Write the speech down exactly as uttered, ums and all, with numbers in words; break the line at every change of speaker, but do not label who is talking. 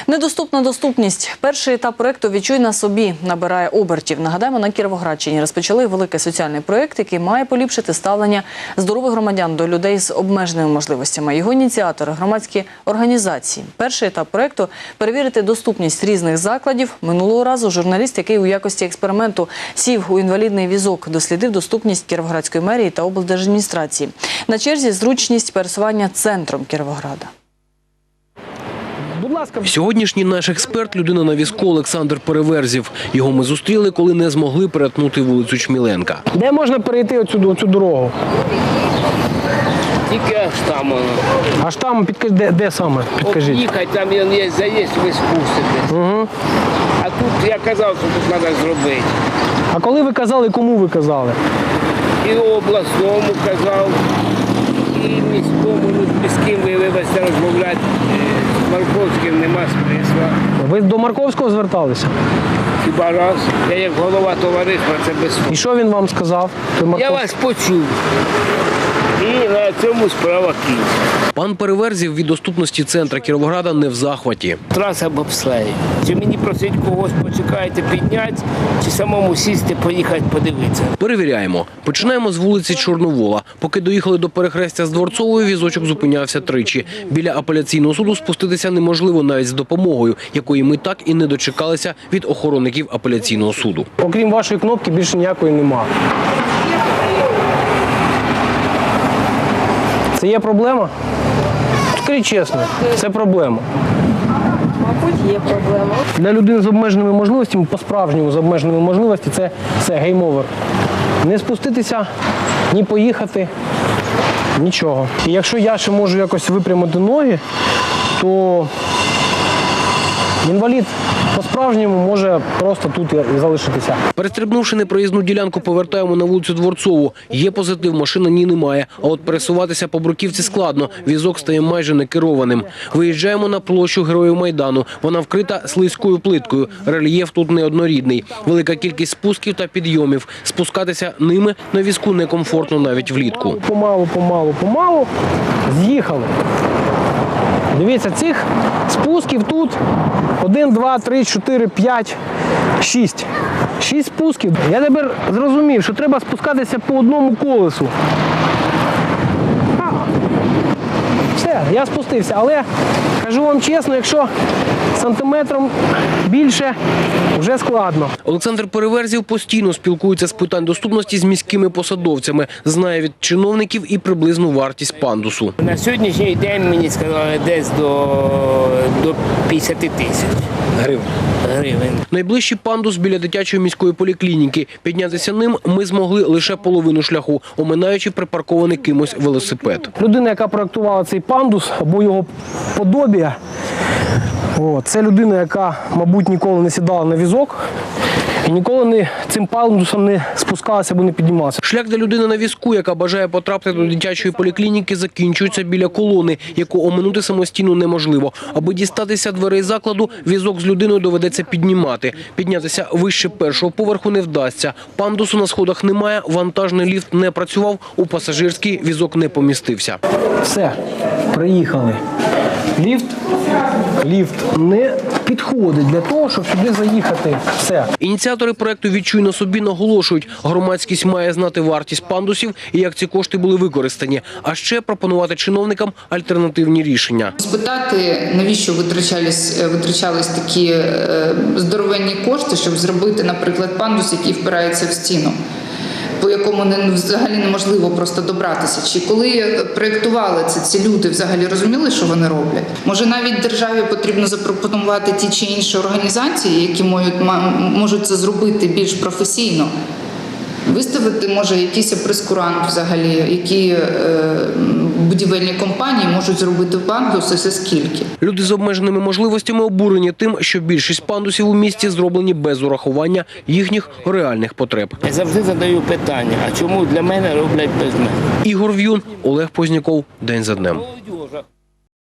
Недоступна доступність. Перший етап проєкту «Відчуй на собі» набирає обертів. Нагадаємо, на Кіровоградщині розпочали великий соціальний проєкт, який має поліпшити ставлення здорових громадян до людей з обмеженими можливостями. Його ініціатори – громадські організації. Перший етап проєкту – перевірити доступність різних закладів. Минулого разу журналіст, який у якості експерименту сів у інвалідний візок, дослідив доступність Кіровоградської мерії та облдержадміністрації. На черзі зручність пересування центром Кіровограда.
Сьогоднішній наш експерт – людина на візку Олександр Переверзів. Його ми зустріли, коли не змогли перетнути вулицю Чміленка.
Де можна перейти оцю, оцю дорогу?
Тільки аж там воно.
Аж там, підкажіть, де, де саме? Підкажіть.
Об'їхати, там є заїзд, ви спуститесь.
Угу.
А тут я казав, що тут треба зробити.
А коли ви казали, кому ви казали?
І обласному казав, і міському, ну, з ким ви, вибачте, розмовляти. З Марковським нема смисла.
Ви до Марковського зверталися?
Хіба раз. Я як голова товариства, це без
І
слов.
що він вам сказав?
Я вас почув. І на цьому справа кінця.
Пан Переверзів від доступності центра Кіровограда не в захваті.
Траса бобслеї. Чи мені просить когось почекайте підняти, чи самому сісти, поїхати подивитися.
Перевіряємо. Починаємо з вулиці Чорновола. Поки доїхали до перехрестя з Дворцовою, візочок зупинявся тричі. Біля апеляційного суду спуститися неможливо навіть з допомогою, якої ми так і не дочекалися від охоронників апеляційного суду.
Окрім вашої кнопки, більше ніякої нема. Це є проблема? Скажіть чесно, це проблема.
Мабуть, є проблема.
Для людини з обмеженими можливостями, по-справжньому з обмеженими можливостями, це, це гейм-овер. Не спуститися, ні поїхати, нічого. І якщо я ще можу якось випрямити ноги, то інвалід по-справжньому може просто тут і залишитися.
Перестрибнувши непроїзну ділянку, повертаємо на вулицю Дворцову. Є позитив, машина ні немає. А от пересуватися по бруківці складно. Візок стає майже некерованим. Виїжджаємо на площу Героїв Майдану. Вона вкрита слизькою плиткою. Рельєф тут неоднорідний. Велика кількість спусків та підйомів. Спускатися ними на візку некомфортно навіть влітку.
Помалу, помалу, помалу з'їхали. Дивіться, цих спусків тут один, два, три, чотири, п'ять, шість. Шість спусків. Я тепер зрозумів, що треба спускатися по одному колесу. Все, я спустився, але кажу вам чесно, якщо сантиметром більше, вже складно.
Олександр Переверзів постійно спілкується з питань доступності з міськими посадовцями. Знає від чиновників і приблизну вартість пандусу.
На сьогоднішній день мені сказали десь до, до п'ятдесят тисяч
Гривень.
гривень.
Найближчий пандус біля дитячої міської поліклініки. Піднятися ним ми змогли лише половину шляху, оминаючи припаркований кимось велосипед.
Людина, яка проєктувала цей пандус або його подобія, о, це людина, яка, мабуть, ніколи не сідала на візок і ніколи не, цим пандусом не спускалася або не піднімалася.
Шлях для людини на візку, яка бажає потрапити до дитячої поліклініки, закінчується біля колони, яку оминути самостійно неможливо. Аби дістатися дверей закладу, візок з людиною доведеться піднімати. Піднятися вище першого поверху не вдасться. Пандусу на сходах немає, вантажний ліфт не працював, у пасажирський візок не помістився.
Все, приїхали. Ліфт, ліфт не підходить для того, щоб сюди заїхати. Все.
Ініціатори проєкту «Відчуй на собі» наголошують, громадськість має знати вартість пандусів і як ці кошти були використані, а ще пропонувати чиновникам альтернативні рішення.
Спитати, навіщо витрачались, витрачались такі е, здоровенні кошти, щоб зробити, наприклад, пандус, який впирається в стіну, по якому не, взагалі неможливо просто добратися. Чи коли проєктували це, ці люди взагалі розуміли, що вони роблять? Може, навіть державі потрібно запропонувати ті чи інші організації, які можуть, можуть це зробити більш професійно? Виставити, може, якийсь прескурант взагалі, які е, будівельні компанії можуть зробити пандус і все скільки.
Люди з обмеженими можливостями обурені тим, що більшість пандусів у місті зроблені без урахування їхніх реальних потреб.
Я завжди задаю питання, а чому для мене роблять без мене?
Ігор В'юн, Олег Позняков. День за днем.